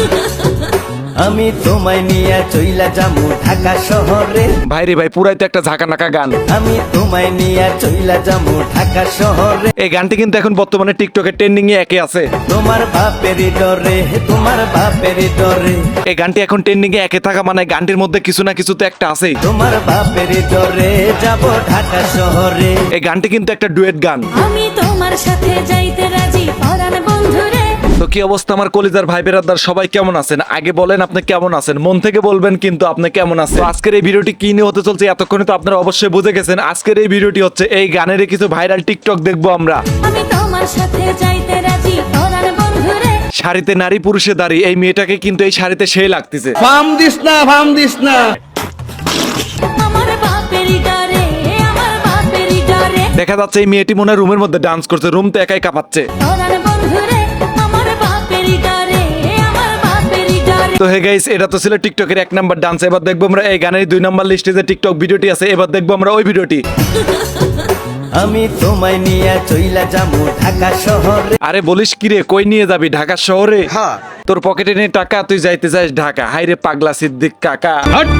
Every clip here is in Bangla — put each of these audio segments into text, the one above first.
আমি তোমায় নিয়ে চইলা যামু ঢাকা শহরে। ভাই রে ভাই, পুরাই তো একটা ঝাঁকা নাকা গান। আমি তোমায় নিয়ে চইলা যামু ঢাকা শহরে। এই গানটি কিন্তু এখন বর্তমানে টিকটকে ট্রেন্ডিং এ একে আছে। তোমার বাপেরই ডরে, তোমার বাপেরই ডরে। এই গানটি এখন ট্রেন্ডিং এ একে থাকা মানে গানটির মধ্যে কিছু না কিছু তো একটা আছেই। তোমার বাপেরই ডরে যাব ঢাকা শহরে। এই গানটি কিন্তু একটা ডুয়েট গান। আমি তোমার সাথে যাইতে রাজি পরাণ বন্ধুরে। তো কি অবস্থা আমার কলিজার ভাই বেরাদার, সবাই কেমন আছেন? আগে বলেন আপনি কেমন আছেন, মন থেকে বলবেন কিন্তু আপনি কেমন আছেন। তো আজকের এই ভিডিওটি কি নিয়ে হতে চলছে এতক্ষণে তো আপনারা অবশ্যই বুঝে গেছেন। আজকের এই ভিডিওটি হচ্ছে এই গানের কিছু ভাইরাল টিকটক দেখবো আমরা। আমি তোমার সাথে যাইতে রাজি পরাণ বন্ধুরে। শাড়িতে নারী পুরুষে দাঁড়িয়ে এই মেয়েটাকে কিন্তু এই শাড়িতে সেই লাগতেছে। ফাম দিস না, ফাম দিস না। আমার বাপেরই ডরে, আমার বাপেরই ডরে। দেখা যাচ্ছে এই মেয়েটি মনে হয় রুমের মধ্যে ডান্স করছে, রুম তো একাই কাঁপাচ্ছে। পরাণ বন্ধুরে, আমার বাপেরই ডরে, আমার বাপেরই ডরে। তো হে গাইস, এটা তো ছিল টিকটকের 1 নাম্বার ডান্স। এবার দেখবো আমরা এই গানের 2 নাম্বার লিস্টে যে টিকটক ভিডিওটি আছে, এবার দেখবো আমরা ওই ভিডিওটি। আমি তোমায় নিয়ে চইলা যামু ঢাকা শহরে। আরে বলিস কি রে, কই নিয়ে যাবি? ঢাকা শহরে? তোর পকেটে নেই টাকা, তুই যাইতে চাস ঢাকা? হাই রে পাগলা সিদ্দিক কাকা।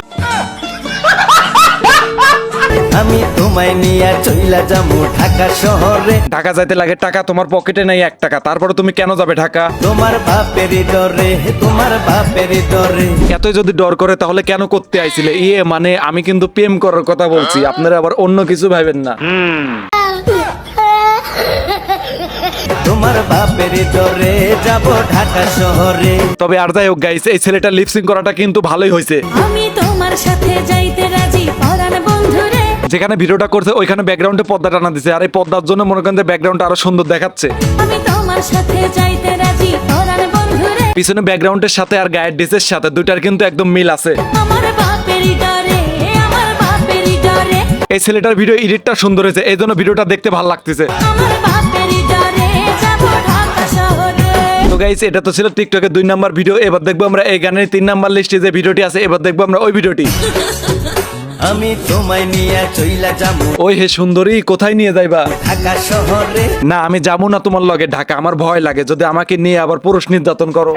আমি তোমায় নিয়ে চইলা যামু ঢাকা শহরে। ঢাকা যাইতে লাগে টাকা, তোমার পকেটে নেই 1 টাকা, তারপরে তুমি কেন যাবে ঢাকা? তোমার বাপেরই ডরে, তোমার বাপেরই ডরে। এতই যদি ডর করে তাহলে কেন করতে আইছিলে? মানে আমি কিন্তু প্রেম করার কথা বলছি, আপনারা আবার অন্য কিছু ভাবেন না। তোমার বাপেরই ডরে যাব ঢাকা শহরে। তবে আর যাই হোক গাইস, এই ছেলেটা লিপসিং করাটা কিন্তু ভালোই হয়েছে। আমি তোমার সাথে যাইতে রাজি পরাণ বন্ধুরে। যেখানে ভিডিওটা করছে ওইখানে ব্যাকগ্রাউন্ডে পর্দা টানা দিছে, আর এই পর্দার জন্য মনে করেন যে ব্যাকগ্রাউন্ডটা আরো সুন্দর দেখাচ্ছে। আমি তোমার সাথে যাইতে রাজি পরাণ বন্ধুরে। পিছনে ব্যাকগ্রাউন্ডের সাথে আর গায়ের ড্রেসের সাথে দুইটার কিন্তু একদম মিল আছে। আমার বাপেরই ডরে, আমার বাপেরই ডরে। এই ছেলেটার ভিডিও এডিটটা সুন্দর হয়েছে, এই জন্য ভিডিওটা দেখতে ভালো লাগতেছে। আমার বাপেরই ডরে যাব ঢাকা শহরে। তো গাইস, এটা তো ছিল টিকটকের 2 নাম্বার ভিডিও। এবার দেখবো আমরা এই গানের 3 নাম্বার লিস্টে যে ভিডিওটি আছে, এবার দেখবো আমরা ওই ভিডিওটি। আমি তোমায় নিয়ে চইলা যামু ওই হে সুন্দরী, কোথায় নিয়ে যাইবা? ঢাকা শহরে। না, আমি যাবো না তোমার লগে ঢাকা, আমার ভয় লাগে যদি আমাকে নিয়ে আবার পুরুষ নির্যাতন করো।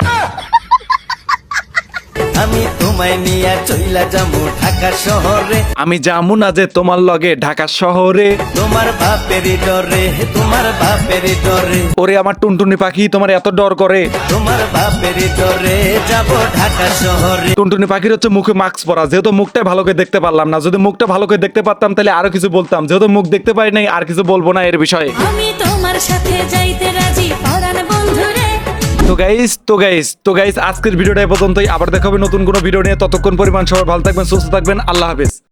আমি তোমায় নিয়ে চইলা যামু ঢাকা শহরে। আমি যাবো না যে তোমার লগে ঢাকা শহরে। তোমার বাপেরই ডরে, তোমার বাপেরই ডরে। ওরে আমার টুনটুনি পাখি, তোমার এত ডর করে? তোমার বাপেরই ডরে যাব ঢাকা শহরে। টুনটুনি পাখির হচ্ছে মুখে মাস্ক পরা, যেহেতু মুখটা ভালো করে দেখতে পারলাম না। যদি মুখটা ভালো করে দেখতে পারতাম তাহলে আরো কিছু বলতাম, যেহেতু মুখ দেখতে পারি নাই আর কিছু বলবো না এর বিষয়ে। আমি তোমার সাথে যাইতে রাজি পরাণ বন্ধুরে। তো গাইস আজকের ভিডিওটা এ পর্যন্তই। আবার দেখা হবে নতুন কোনো ভিডিও নিয়ে। ততক্ষণ পরিমাণ সবাই ভালো থাকবেন, সুস্থ থাকবেন। আল্লাহ হাফেজ।